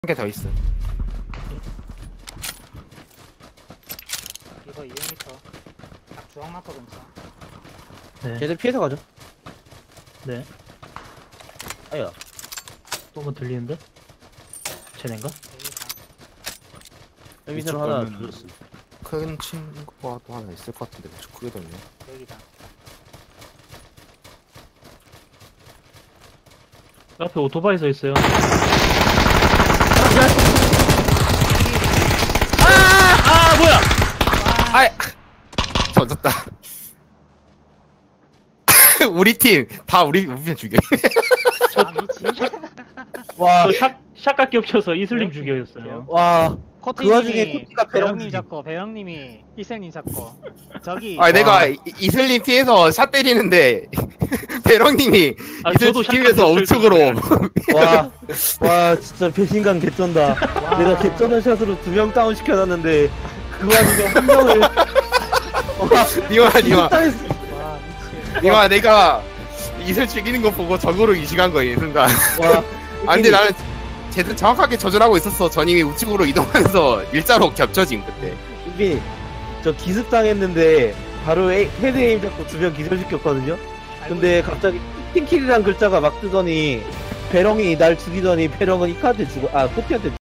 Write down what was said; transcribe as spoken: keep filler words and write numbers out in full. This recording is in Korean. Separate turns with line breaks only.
한 개 더 있어.
이거 이백 미터 딱 주황마포 근처.
네.
쟤들 피해서 가죠.
네.
아야.
또 뭐 들리는데? 쟤넨가?
여기다
여기서 하나
가면은-
들었어.
큰 친구가 또 하나 있을 것 같은데 좀 크게 됐네.
여기다.
앞에 오토바이 서 있어요. 아, 뭐야!
아이 던졌다. 우리 팀 다 우리 우리 팀 죽여.
아 미친.
와,
저 샷, 샷각 겹쳐서 이슬림 죽여였어요.
와. 그 와중에
코티님이
코티가 배럭
배영님 잡고 배영님이 희생님 잡고 저기
아 내가 이- 이슬림 피해서 샷 때리는데 배렁님이
아,
이슬
저도
지키면서
샷각
우측으로.
와, 와, 진짜 배신감 개쩐다.
와.
내가 개쩌는 샷으로 두 명 다운 시켜놨는데 그 와중에 한 명을. 와,
니마 니마
당했어.
와 미친.
니마 내가 이슬 죽이는 거 보고 적으로 이식한 거야 이 순간.
와.
아 근데 나는 제대로 정확하게 조절하고 있었어. 전임이 우측으로 이동하면서 일자로 겹쳐진 그때.
이게 저 기습 당했는데 바로 에, 헤드 에임 잡고 두 명 기절시켰거든요. 근데 갑자기 팀킬이란 글자가 막 뜨더니 배렁이 날 죽이더니 배렁은 이카한테 죽어, 아 코티한테